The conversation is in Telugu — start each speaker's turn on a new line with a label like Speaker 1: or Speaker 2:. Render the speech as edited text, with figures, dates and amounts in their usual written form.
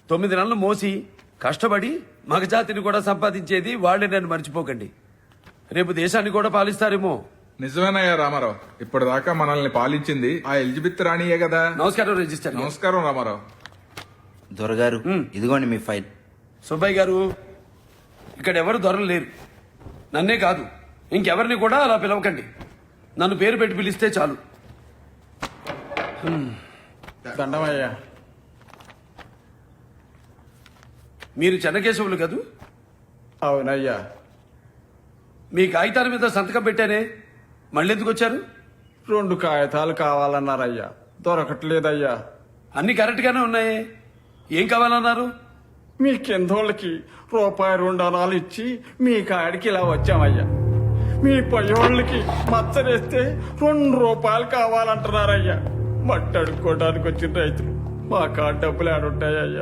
Speaker 1: 9 నెలలు మోసి కష్టపడి మగజాతిని కూడా సంపాదించేది వాళ్ళే, నన్ను మర్చిపోకండి. రేపు దేశాన్ని కూడా పాలిస్తారేమో.
Speaker 2: నిజమేనయ్యా రామారావు, ఇప్పటిదాకా మనల్ని పాలించింది ఆ ఎలిజబెత్ రాణియే కదా.
Speaker 1: నమస్కారం రిజిస్టర్ గారు.
Speaker 2: నమస్కారం రామారావు.
Speaker 3: దొరగారు ఇదిగోండి మీ ఫైల్.
Speaker 1: సుబ్బయ్య గారు, ఇక్కడ ఎవరు దొరలు లేరు. నన్నే కాదు ఇంకెవరిని కూడా అలా పిలవకండి. నన్ను పేరు పెట్టి పిలిస్తే చాలు.
Speaker 4: దండమయ్యా.
Speaker 1: మీరు చెన్నకేశవులు కదూ?
Speaker 4: అవునయ్యా.
Speaker 1: మీ కాగితాల మీద సంతకం పెట్టానే, మళ్ళీ ఎందుకు వచ్చారు?
Speaker 4: 2 కాగితాలు కావాలన్నారయ్యా, దొరకట్లేదయ్యా.
Speaker 1: అన్ని కరెక్ట్ గానే ఉన్నాయే, ఏం కావాలన్నారు?
Speaker 4: మీ కిందోళ్ళకి ₹2 ఇచ్చి మీ కాడికి ఇలా వచ్చామయ్యా. మీ పయ్యోళ్ళకి మచ్చరేస్తే ₹2 కావాలంటున్నారయ్యా. మట్టి అడుక్కోవడానికి వచ్చిన రైతులు మా కాడ డబ్బులు ఆడుంటాయ్యా.